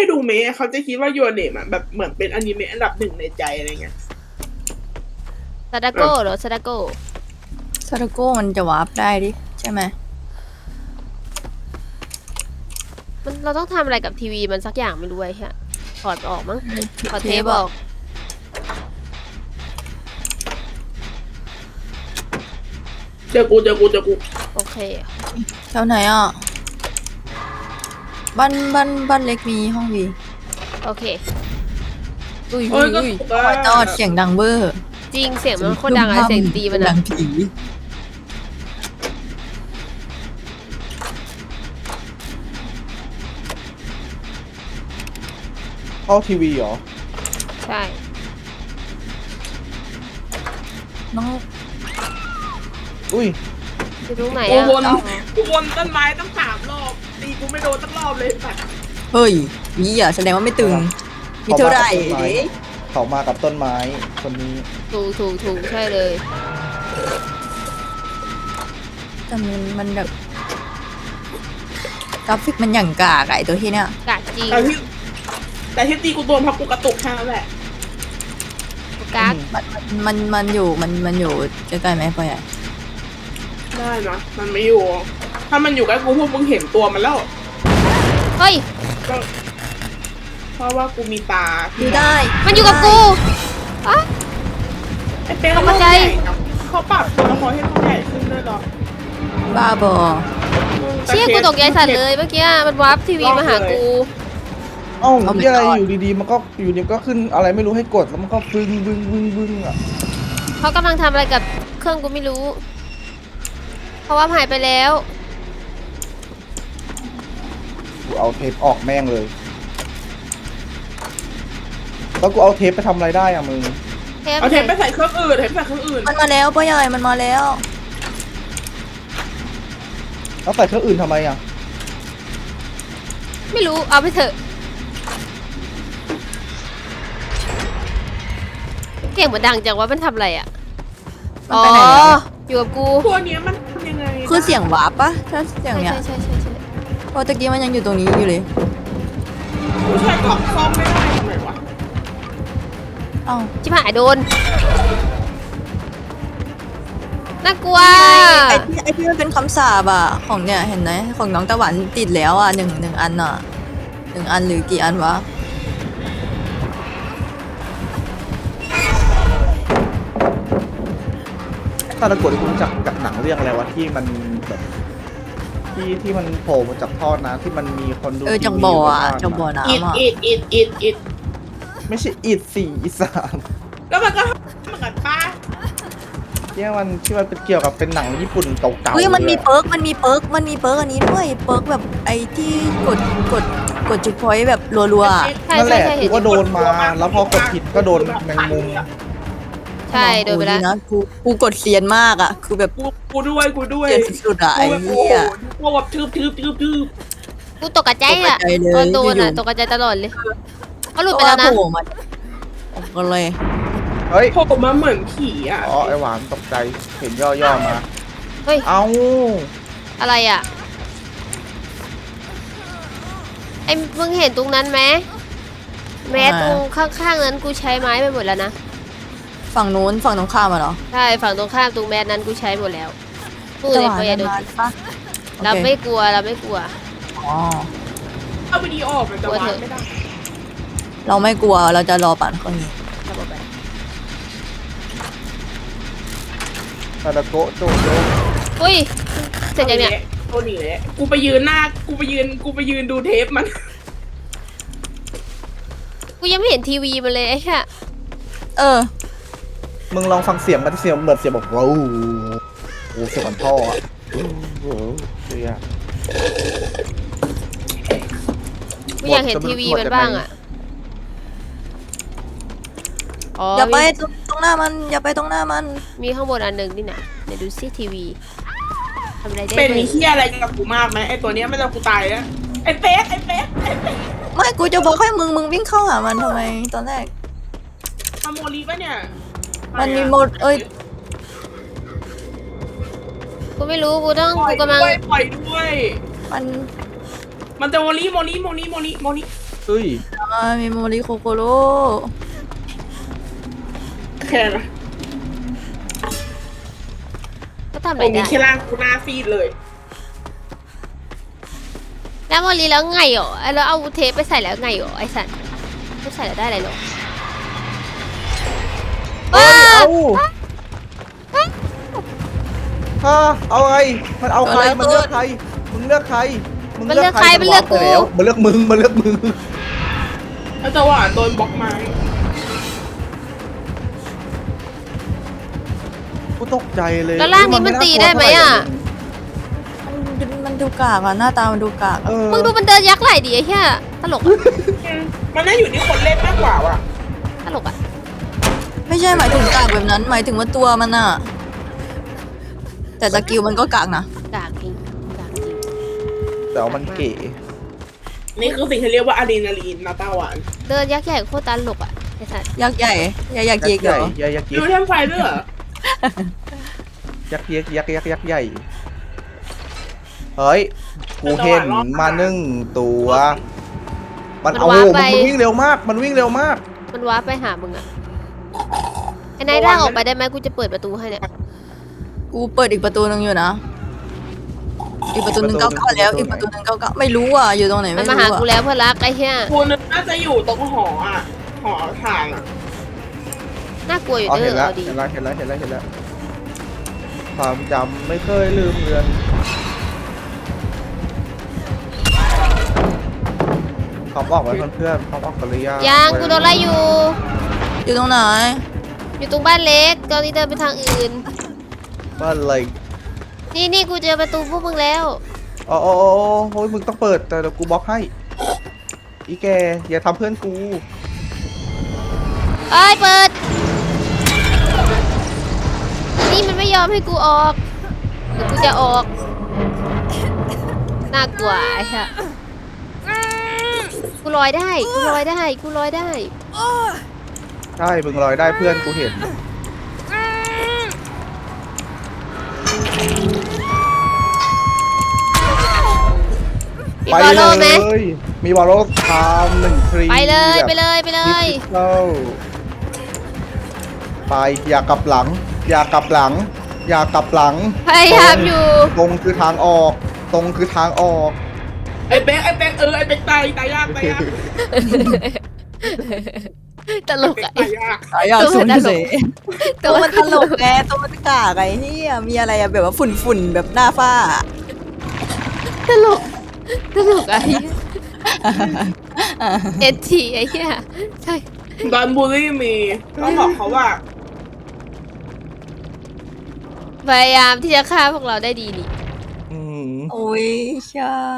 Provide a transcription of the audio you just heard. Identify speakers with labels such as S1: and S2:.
S1: ดูเมะเขาจะคิดว่ายูเนมอะแบบเหมือนเป็นอนิเมะอันดับ1ในใจอะไรเงี้ย
S2: ซาดาโก้เหรอซาดาโก้
S3: ซาโตโก้มันจะวาร์ปได้ดิใช่ไหม
S2: มันเราต้องทำอะไรกับทีวีมันสักอย่างไม่รู้ไอ้ฮะถอดออกมั้งถอดเทปออก
S1: เจอกู
S2: โอเค
S3: แถวไหนอ่ะบ้านเล็กมีห้องวี
S2: โอเค
S3: อุ้ย
S1: โอ้ยก็
S3: อุ้ย
S1: ถูก
S3: โอ้ยตอดเสียงดังเบอร์
S2: จริงเสียงมันโคตรดังอะเสียงตีมัน
S3: ดั
S2: อะ
S3: งผี
S4: เข้าทีวีเหรอ
S2: ใช่
S3: น้อง
S4: อุ้ย
S2: อยู่ตรงไหน
S1: กู
S2: อะ
S1: วนต้นไม้ตั้ง3 รอบตีกูไม่โดนตั้งรอบเลยแต่
S3: เฮ้ยนี่อ่ะแสดงว่าไม่ตึงมีเท่าไหร่ดิ
S4: เขามากับต้นไม้คนนี้
S2: ถูกใช่เลย
S3: แต่มันแบบกราฟิกมันอย่างกากอะไอตัวที่เนี้ย
S2: กากจริง
S1: แต่ที่ตีกูโดนเพราะกูกระตุกแค่นั้นแหละ
S2: กาก
S3: มันอยู่ใกล้ๆไหมพ่อใหญ่
S1: ได้นะมันไม่อยู่ ถ้ามันอยู่ใกล้กูพวกมึงเห็นตัวมันแล้ว
S2: เฮ้ย
S1: ก็เพราะว่ากูมีตา
S3: ดูได้
S2: มันอยู่กับกูอะ
S1: ไอ้เป้
S2: เข้ามาใจ
S1: เขาปรับตัวละครให้ตัวใหญ่ขึ้นด้วยเหรอ
S3: บ้าบอ
S2: เชี่ยกูตกใจสัตว์เลยเมื่อกี้มันวาร์ปทีวีมาหากู
S4: เอ้ามีอะไรอยู่ดีๆมันก็อยู่ดีก็ขึ้นอะไรไม่รู้ให้กดแล้วมันก็บึ้งอ่ะ
S2: เขากำลังทำอะไรกับเครื่องกูไม่รู้เพราะว่าหายไปแล้ว
S4: กูเอาเทปออกแม่งเลยแล้วกูเอาเทปไปทำอะไรได้อะมึง
S1: เอาเทปไปใส่เครื่องอื่น
S3: มันมาแล้วพ่อใหญ่มันมาแล้ว
S4: แล้วใส่เครื่องอื่นทำไมอะ
S2: ไม่รู้เอาไปเถอะเก่งเหมือนดังจังว่ามันทำอะไรอ่ะ
S3: มันไปไหนแล้ว
S2: อยู่กับกู
S1: ตัวเนี้ยมันทำยังไง
S3: คือเสียงวาร์ปปะถ้าเสียงเนี้ย
S2: ใช่
S3: เพราะตะกี้มันยังอยู่ตรงนี้อยู่เลย
S1: กูใช้กล่องซ่อมไม่ได้ทำไมวะ
S3: เอ้า
S2: ชิบหายโดนน่ากลัว
S3: ไอที่มันเป็นคำสาบอะของเนี่ยเห็นไหมของน้องตะวันติดแล้วอะหนึ่งอันอะ1 อันหรือกี่อันวะ
S4: ถ้าตะกดที่กูรู้จักกับหนังเรื่องอะไรวะที่มันแบบที่มันโผล่มาจากท่อนะที่มันมีคนดู
S3: จังบ่ออะจังบ่อ
S1: อิด
S3: น้ำอะ
S1: อิด
S4: ไม่ใช่อีดสี่อีสาน
S1: แล้วมันก็เหมือนป้า
S4: ที่มันเป็นเกี่ยวกับเป็นหนังญี่ปุ่นเก่าๆ
S3: เฮ้ยมันมี
S4: ล
S3: เปิร์กอันนี้ด้วยเปิร์กแบบไอที่กดจุดพอยต์แบบรัวๆอะ
S2: ใช่
S4: นั่นแหละ
S2: ใช่
S4: กู
S2: เห็น
S4: ก็โดนมา แล้วพอกดผิดก็โดนแมงมุม
S2: ใช่โดนไปแล้ว
S3: นะกูกดเซียนมากอะคือแบบ
S1: กูด้วย
S3: เซียนสุดๆอะไอ้
S1: โอ้
S3: เหี้ย
S1: โหแบบทืบ
S2: กูตกกระใจอ่ะ
S3: ตกใจเลย
S2: ตอนโดนอ่ะ
S3: อยู่ๆ
S2: ตกกระใจตลอดเลยเขาหลุดไปแล้วนะ
S3: โผล่มาออกกันเลย
S4: เฮ้ย
S1: โผล่มาเหมือนผีอ่ะ
S4: อ๋อไอหวานตกใจเห็นย่อๆมา
S2: เฮ้ย
S4: เอ้า
S2: อะไรอ่ะไอ้มึงเห็นตรงนั้นไหมแม้ตรงข้างๆนั้นกูใช้ไม้ไปหมดแล้วนะ
S3: ฝั่งนู้นฝั่งตรงข้ามอะเหรอ
S2: ใช่ฝั่งตรงข้ามตรงแมสนั้นกูใช้หมดแล้วพูดเลยพยาโดน
S3: ปะ
S2: เรา
S3: โอเค
S2: ไม่กลัวเราไม่กลัว
S3: อ๋อ
S1: เอาวิดีโอออกมันจะวางไม่ได้
S3: เราไม่กลัวเราจะรอปั่นเครื่องนี้
S2: ทำออกไป
S4: ซาดาโกะโจโจ
S2: อุ้ยเสร็จยังเนี่ย
S1: ตัวหนีเลยกูไปยืนดูเทปมัน
S2: กูยังไม่เห็นทีวีมันเลยไอ้แค่
S3: เออ
S4: มึงลองฟังเสียงมันเสียงเหมือนเสียงแบบโอ้โหเสียงเหมือนท่ออะโอ้โหเสีย
S2: กูอยากเห็นทีวีมันบ้างอ่ะอ๋อ
S3: อย่าไป
S2: มี
S3: ตรงหน้ามันอย่าไปตรงหน้ามัน
S2: มีข้างบนอันหนึ่งนี่นะเดี๋ยวดูซิทีวีทำอะไรได้
S1: เป็น
S2: บ้าง
S1: มีเฮียอะไรกับกูมากไหมไอตัวเนี้ยไม่ต้องกูตายแล้วไอเป๊ก
S3: ไม่กูจะบอกให้มึงวิ่งเข้าหามันทำไมตอนแรก
S1: มาโมลีปะเนี่ย
S3: มันมีโมด
S2: กูไม่รู้กูต้อง
S1: ปล่อย
S2: กูกำลัง
S1: ด้วยปล่อยด้วย
S3: มัน
S1: มันจะโมลี
S4: เฮ้ย
S3: มีโมริโคโกโร่
S1: แค่นะ
S2: ก็ทำอะ
S1: ต
S2: ไร
S1: รง
S2: ได้
S1: นี้แค่ล่างกูหน้าฟีดเลย
S2: แล้วโมลีแล้วไงหรอแล้วเอาเทปไปใส่แล้วไงหรอไอ้สัตว์ไม่ใส่แล้วได้อะไรหรอ
S4: เฮ้ยเอาไงมันเอาใครมันเลือกใครมึงเลือกใคร
S2: มันเลือกใครมันเลือกกู
S4: มันเลือกมึงมันเลือกมึง
S1: แล้วจังหวะโดนบล็อกไม้
S4: กูตกใจเลย
S2: แล้วร่างนี้มันตีได้ไหมอ่ะ
S3: มันดูกากอะหน้าตามันดูกากอะ
S2: มึงดูมันเดินยักษ์ไหล่ดิไอ้เหี้ยตลกอะ
S1: มันน่าอยู่ที่คนเล่นมากกว่าว่ะ
S2: ตลกอะ
S3: ไม่ใช่หมายถึงกากแบบนั้น หมายถึงว่าตัวมันอะแต่สกิลมันก็กากนะ
S2: กากจริงกากจริง
S4: แต่ว่ามันเก๋
S1: นี่คือสิ่งที่เรียกว่าอะดรีนาลีนนะตาหวาน
S2: เดินยักษ์ใหญ่โคตรตลกอะไอ้สัตว์
S3: ยักษ์ใหญ่ยักษ์เยกเหรอ
S4: ยักษ์
S1: ดูเทมไฟด้วยเหรอ
S4: ยักษ์ใหญ่เฮ้ยกูเห็นมา1 ตัว มันเอามันวิ่งเร็วมากมันวิ่งเร็วมาก
S2: มันว้าร์ปไปหามึงอะไอ้นายร่างออกไปได้ไหมกูจะเปิดประตูให้เนี่ย
S3: กูเปิดอีกประตูนึงอยู่นะ อีกประตูนึง99แล้ว อีกประตูนึง99ไม่รู้อ่ะ อยู่ตรงไหน
S2: มั
S3: ไม่
S2: น
S3: รู้
S2: มาหา
S3: อ่ะ
S2: กูแล้วเพื่อนรักไอ้เหี้ย
S1: กูนึกน่าจะอยู่ตรงหออ่ะ หอทางอ่ะ
S2: น่ากลัวอยู่
S4: อ๋อ
S2: เด้
S4: เห็น
S2: อ
S4: แล้ว
S2: เอาดี
S4: เห็นแล้วความจำไม่เคยลืมเลือนเขาบอกไว้เพื่อนเขาบอกกันหรือยัง
S2: ยังกูโดนไล่อยู่
S3: อยู่ตรงไหน
S2: อยู่ตรงบ้านเล็กตอนนี้เดินไปทางอื่น
S4: ว่าอะไร
S2: นี่กูเจอประตูพวกมึงแล้ว
S4: อ๋อโอ้ยมึงต้องเปิดแต่เดี๋ยวกูบล็อกให้อีแกอย่าทำเพื่อนกู
S2: เอ้ยเปิด นี่มันไม่ยอมให้กูออกเดี๋ยวกูจะออก น่ากลัวไอ้เหี้ยกูลอยได้ กูลอยได้ กูลอยได้
S4: ใช่มึงลอยได้เพื่อนกูเห็น
S2: มีบอลโลไหม
S4: มีบอลโลทำ1 ทรี
S2: ไปเลยไปเลยไปเลย
S4: ดิจิทัลไปอย่ากลับหลัง อย่ากลับหลัง อย่ากลับหลัง
S2: พยายามอยู่
S4: ตรงคือทางออก ตรงคือทางออก
S1: ไอ้เป๊กไอ้เป๊กไอ้เป๊กตายยาก
S2: ตลกอะ
S1: ตายยาก
S3: สายยอดสุดเสย
S2: ตั
S3: ตัว ว
S2: มั
S3: มัน นตลกไงตัวมันกากไอ้เหี้ยมีอะไรอะแบบว่าฝุ่นแบบหน้าฝ้า
S2: ตลกอะไอ้เหี้ยเอทีไอ้เหี้ยใช่
S1: ดอนบูลลี่มีต้องบอกเขาว่า
S2: พยายามที่จะฆ่าพวกเราได้ดีนี่
S4: อืม
S3: โอ้ยใช่